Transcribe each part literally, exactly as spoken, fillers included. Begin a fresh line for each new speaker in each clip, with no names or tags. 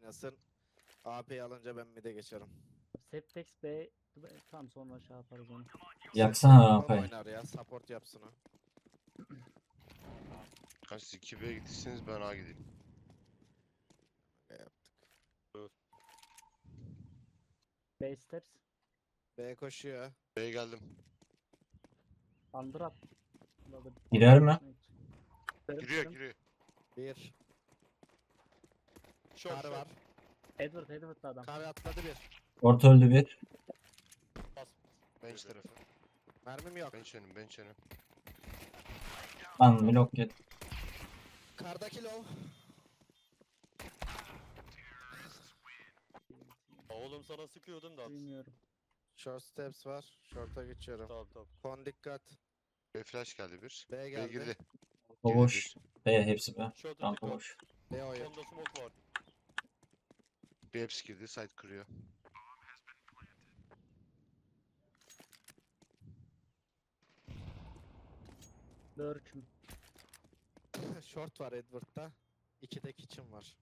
oynasın. A P'yi alınca ben mid'e geçerim.
Septex B tam sonra şey yaparız onu.
Yaksana
Son
rampayı.
oynar ya, support yapsın o.
Kaç siz iki B'ye gittiyseniz ben A gideyim.
Ne yaptık?
B steps.
B koşuyor.
B'ye geldim.
Under at.
Girer mi?
Giriyor giriyor.
Bir.
Short
Kar
short.
var.
Edward Edward'lı adam.
Kar atladı bir.
Orta öldü bir.
Bench tarafı.
Mermim yok.
Bench önüm bench önüm.
Lan blok yedi.
Kardaki low.
Oğlum sana sıkıyordum da.
Bilmiyorum.
Short steps var. Short'a geçiyorum.
Tamam tamam.
Kon dikkat.
B flash geldi bir.
B
B
geldi.
girdi.
O boş. B hepsi B.
Short
Rampa
dikkat.
boş.
B oyun.
Sonda smoke var.
Bir hepsi girdi. Side kırıyor.
Lurk'üm.
Short var Edward'da. İki de kitchen var.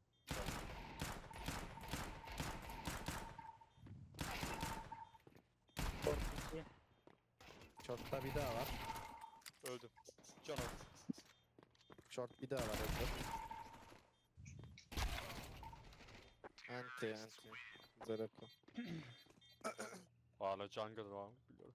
Short iki.
Short'ta bir daha var.
Öldüm. Can al.
Short bir daha var Edward. Anti anti. Zerako.
Hala jungle var. Biliyorum.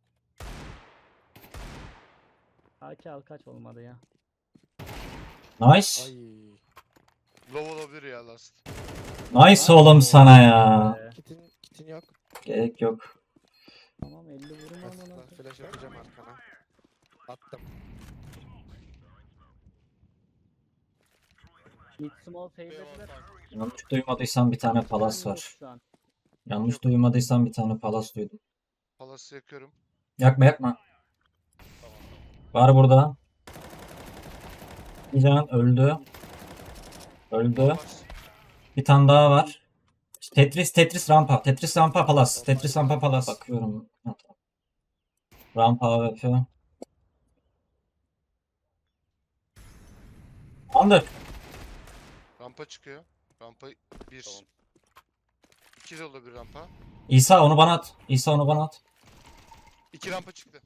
A K al kaç olmadı ya.
Nice.
Ay.
Low olabilir ya last.
Nice oğlum sana ya.
Ee,
Kitin, kitin yok.
Gerek yok.
tamam elli vurun
Aslında
amına.
flash atacağım arkana. Attım.
Mid small
B var
fade'lediler.
sanki.
Yanlış duymadıysan bir tane palas
Yok
var.
şu an.
Yanlış duymadıysan bir tane palas duydum.
Palas'ı yakıyorum.
Yakma yakma.
Tamam tamam.
Var burada. Bir can öldü. Öldü.
Var.
Bir tane daha var. Tetris Tetris rampa. Tetris rampa palas. Tetris rampa palas. Bakıyorum. Ha, tamam. Rampa A W P. Under.
Rampa çıkıyor. Rampa bir.
Tamam.
İki de olabilir rampa.
İsa onu bana at. İsa onu bana at.
İki rampa çıktı.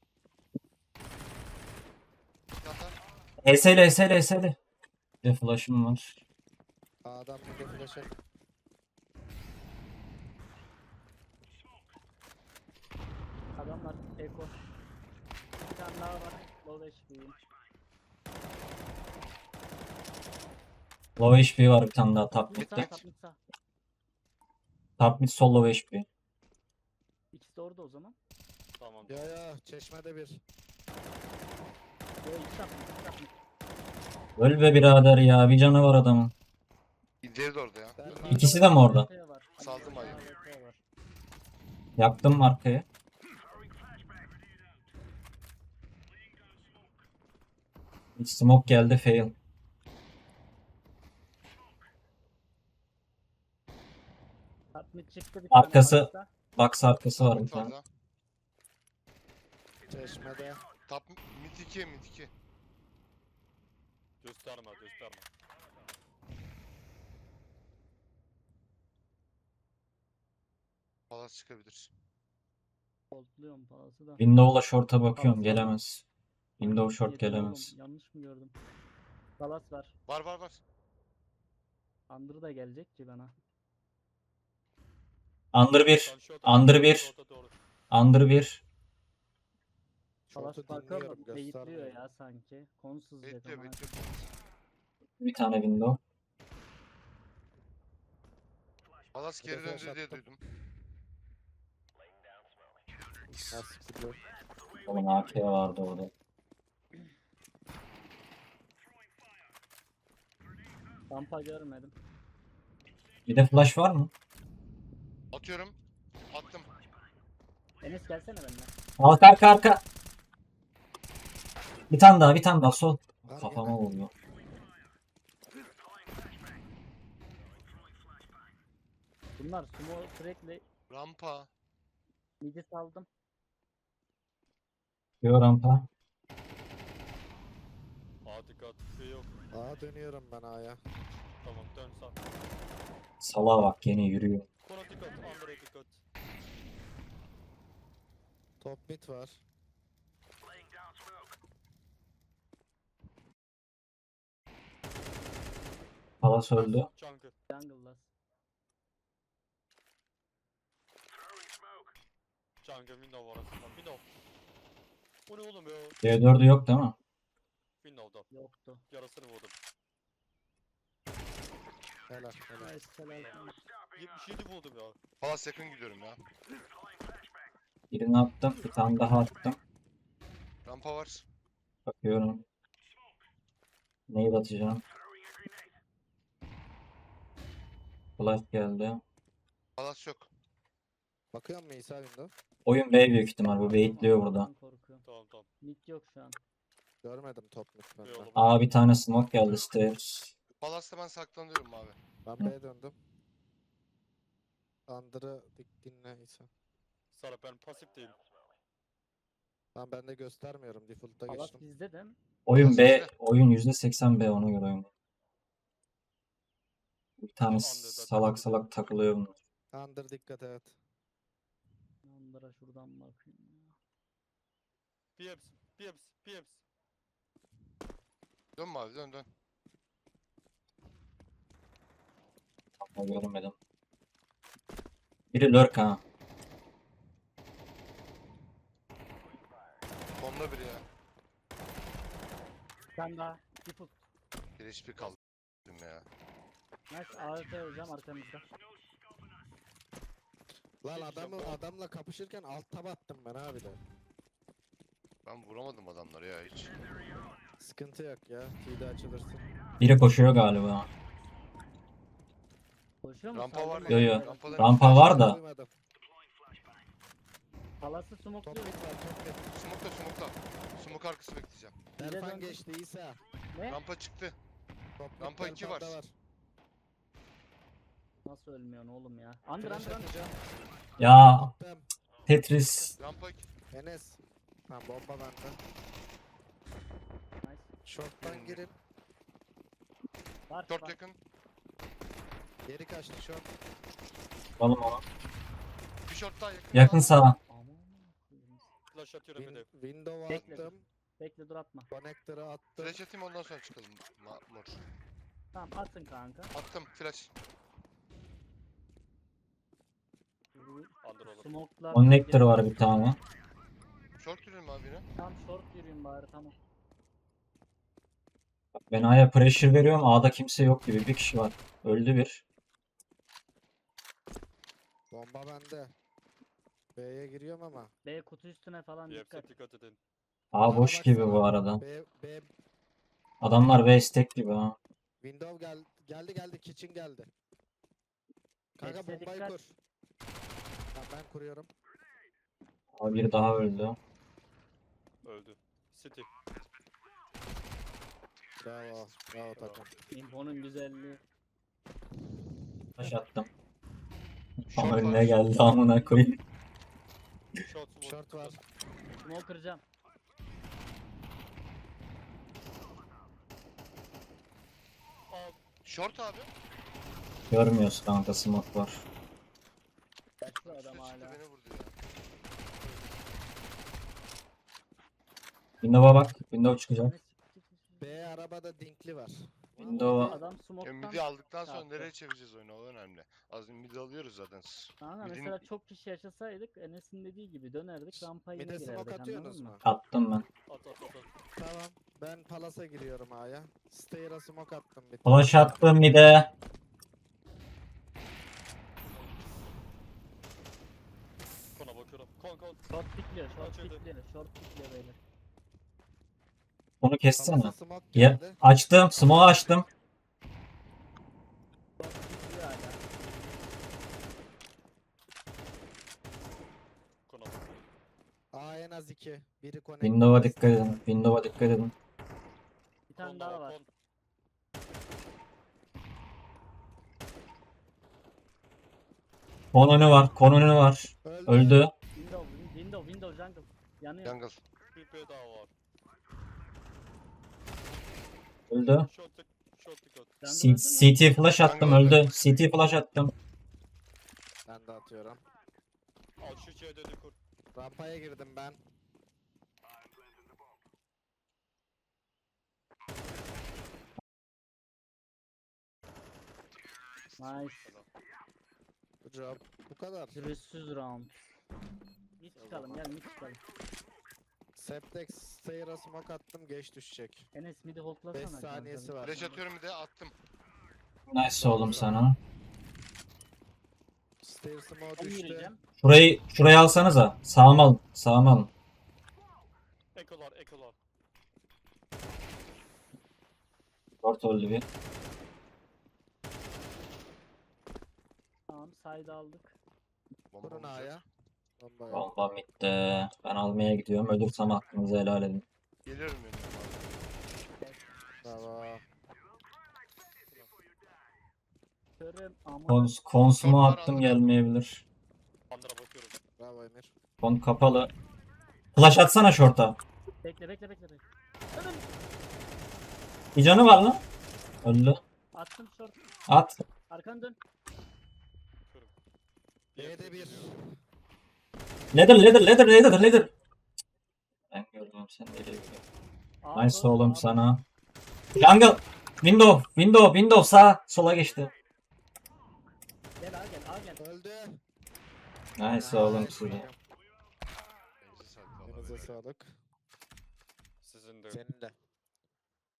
Yata.
H S L H S L H S L. Bir de flash'ım var.
Adam bir de flash'a.
Adamlar Eko. Bir tane daha var. Low H P'yim.
Low H P var bir tane daha top
Mid sağ,
mid'de.
top mid sağ.
Top mid sol low H P.
İkisi de orada o zaman.
Tamam.
Ya ya çeşmede bir.
Yo iki top mid, iki top mid.
Öl be birader ya. Bir canı var adamın.
İleri de orada ya.
Ben
İkisi de mi orada?
A W P var.
Saldım ayı.
A W P var.
Yaktım arkayı. Hiç smoke geldi fail.
Top mid çıktı bir
Arkası-
tane.
Box arkası var bir
Mid
tane.
orada.
çeşmede.
Top mid iki mid iki.
Gösterme gösterme.
Palas çıkabilir.
Holdluyorum palası da.
Window'la short'a bakıyorum.
Palas var.
Gelemez. Window short
Yetiyor
gelemez.
oğlum, yanlış mı gördüm? Palas var.
Var var var.
Under da gelecek ki bana.
Under bir.
Sen short'a
Under
bak,
bir.
short'a doğru.
Under bir.
Palas
Short'u
bakıyor
dinliyorum
da beyitliyor
göstermiyor.
ya sanki. Konsuz jet
Bekliyor
ama.
bekliyor.
Bir tane window.
Palas
Bir de
geri
flash
döndü diye
attım.
duydum.
Nasıl biliyor?
Onun A K vardı orada.
Rampa görmedim.
Bir de flash var mı?
Atıyorum. Attım.
Enes gelsene benimle.
Arka arka arka. Bir tane daha bir tane daha sol.
Var
Kafama
gene.
vuruyor.
Bunlar sumo sürekli
Rampa.
midi saldım.
Diyor rampa.
A dikkat. B yok.
Aa dönüyorum ben A'ya.
Tamam dön sağ.
Salağa bak yine yürüyor.
Kona dikkat. Under'a dikkat.
Top mid var.
Palas öldü.
Jungle.
Jungle last.
Jungle window var aslında. Window. Bu ne oğlum ya?
D dördü yok değil mi?
Window'da.
Yoktu.
Yarasını vurdum.
Helal helal.
Nice helal.
yetmiş yedi vurdum ya.
Palas yakın gidiyorum ya.
Birini attım. Bir tane daha attım.
Rampa var.
Bakıyorum. Neyi atacağım? Flash geldi.
Palas yok.
Bakıyor musun İsa window?
Oyun B büyük ihtimal. Bu baitliyor burada.
Allah'tan korkuyorum.
Tamam tamam.
Mid yok şu an.
Görmedim top mid
Yok
benden.
oğlum.
Aa bir tane smoke geldi stairs.
Palas'ta ben saklanıyorum abi.
Ben B'ye döndüm. Under'ı dik dinle İsa.
Sarı ben pasif değilim.
Ben ben de göstermiyorum. Default'a
Palas
geçtim.
bizde de mi?
Oyun B,
Palas
oyun yüzde seksen B ona göre oyun. Bir tane
Under'da
salak
dikkat
salak takılıyor bunlar.
Under dikkat evet.
Under'a şuradan bakayım ya.
Pips. Pips. Pips.
Dön mavi dön dön.
Ama görmedim. Biri lurk ha.
Bomba biri ya.
Bir tane daha. Default.
Bir H P kaldı ya.
Nice. A W P hocam arkamızda.
Lan
Şey
adamı
diyeceğim, bu-
adamla kapışırken alt tab attım ben abi de.
Ben vuramadım adamları ya hiç.
Sıkıntı yok ya. T'de açılırsın.
Biri koşuyor galiba.
Koşuyor mu?
Rampa var
Saldırma.
Yo, yo.
Rampadan
Rampa var da.
Duymadım.
Palas'ı
Top
smokluyor.
mid var top mid.
Smoke'la smoke'la. Smoke arkası bekleyeceğim.
Bir de
Berfan
döndüm.
geçti İsa.
Ne?
Rampa çıktı.
Top mid
Rampa iki var.
Berfan'da
Nasıl ölmüyorsun oğlum ya? Under
Flash
under under.
atacağım.
Ya
Attım.
Tetris.
Rampa iki.
Enes. Ha bomba bende.
Nice.
Short'tan girin.
Var
Short
var.
yakın.
Geri kaçtı short.
Alalım onu.
Bir short daha yakın.
Yakın sağa.
Aman koyayım.
Flash atıyorum bir de.
Win window'a
Bekle.
attım.
Bekle dur atma.
Connector'ı attım.
Flash atayım ondan sonra çıkalım. Ma mor.
Tamam atın kanka.
Attım flash.
Under olur.
Smoke'lar.
Connector var bir tane.
Short yürüyorum abi yine.
Tam short yürüyün bari tamam.
Ben A'ya pressure veriyorum. A'da kimse yok gibi. Bir kişi var. Öldü bir.
Bomba bende. B'ye giriyorum ama.
B kutu üstüne falan dikkat.
Pips'e dikkat edin.
A
Sağa
boş gibi
baksana.
bu arada.
B, B
Adamlar B stack gibi ha.
window gel geldi geldi kitchen geldi. Kanka
Hepsi
bombayı
dikkat.
kur. Tamam ben kuruyorum.
A bir daha öldü.
Öldü. City.
Bravo. Bravo takım.
Info'nun güzelliği.
Taş attım.
Short
Ama
var.
önüne geldi amına koyayım.
Short smoke.
Short var.
Smoke kıracağım.
Aa,
Short abi.
Görmüyoruz kanka smoke var.
Kaçtı adam
Üstüne çıktı
hala.
beni vurdu ya.
Window'a bak. Window çıkacak.
Ne siktir siktir.
B arabada dinkli var.
Window'a
Adam
Ya
smoke'tan.
midi aldıktan sonra
çarptı.
nereye çevireceğiz oyunu o önemli. Az önce midi alıyoruz zaten.
Kanka
Midin-
mesela çok kişi yaşasaydık Enes'in dediği gibi dönerdik rampaya yine
Mide smoke
girerdik
atıyorsunuz
anladın
mu?
mı?
attım ben.
at at at at.
Tamam. Ben Palas'a giriyorum A'ya. Stair'a smoke attım bir tane.
Flash attım bir de.
Kona bakıyorum. Kon kon.
Short pikliyor, short
Açıldı.
pikliyor, short pikliyor beyler.
Onu kessene.
Palas'a smoke
Ya,
geldi.
açtım. Smoke açtım.
Short pikliyor hala.
Kona bakıyorum.
A en az iki. Biri connect.
Window'a dikkat edin. Window'a dikkat edin.
Bir tane
Kon
daha
da
var.
kon.
Kon önü var. Kon önü var.
Öldü.
Öldü.
Window, win- window, window, jungle. Yanıyor.
Jungle.
Bir P daha var.
Öldü.
Short dik- short dikkat.
C-
öldü mü?
CT flash attım öldü. C T flash attım.
Ben de atıyorum.
Al şu C D'de kur.
Rampaya girdim ben.
Nice.
Good job. Bu kadar.
Pürüzsüz round. Mid çıkalım gel mid çıkalım.
Septex Stayer'a smoke attım, geç düşecek.
Enes mid'i
beş
holdlasana.
saniyesi
kanka.
var.
Flash atıyorum bir de attım.
Nice oğlum sana.
Stair smoke
Ben
düştü.
yürüyeceğim.
Şurayı şurayı alsanıza. Sağım alın. Sağım alın.
Ekolar ekolar.
Short öldü bir.
Tamam side aldık.
Bomba
Kurun
olacak.
A'ya. Bomba yok.
Bomba bitti. Ben almaya gidiyorum. Ölürsem hakkınızı helal edin.
Geliyorum benim abi.
Bravo.
Körüm ama.
Kons konsumu
Shortlar
attım
aldım.
gelmeyebilir.
Bandıra bakıyorum.
Bravo Emir.
Kon kapalı. Flash atsana short'a.
Bekle bekle bekle. bekle.
Bir canı var lan. Öldü.
Attım short.
At.
Arkanı dön.
B'de bir.
Ladder ladder ladder ladder ladder. Ben gördüm sen nereye gidiyorsun.
Aa,
Nice
doğru,
oğlum
aa,
sana. Jungle. Window. Window. Window sağ. Sola geçti.
Gel al gel al gel.
Öldü.
Nice oğlum
Nice.
size.
Elinize sağlık vallahi.
Elinize sağlık.
Sizin de.
Senin de.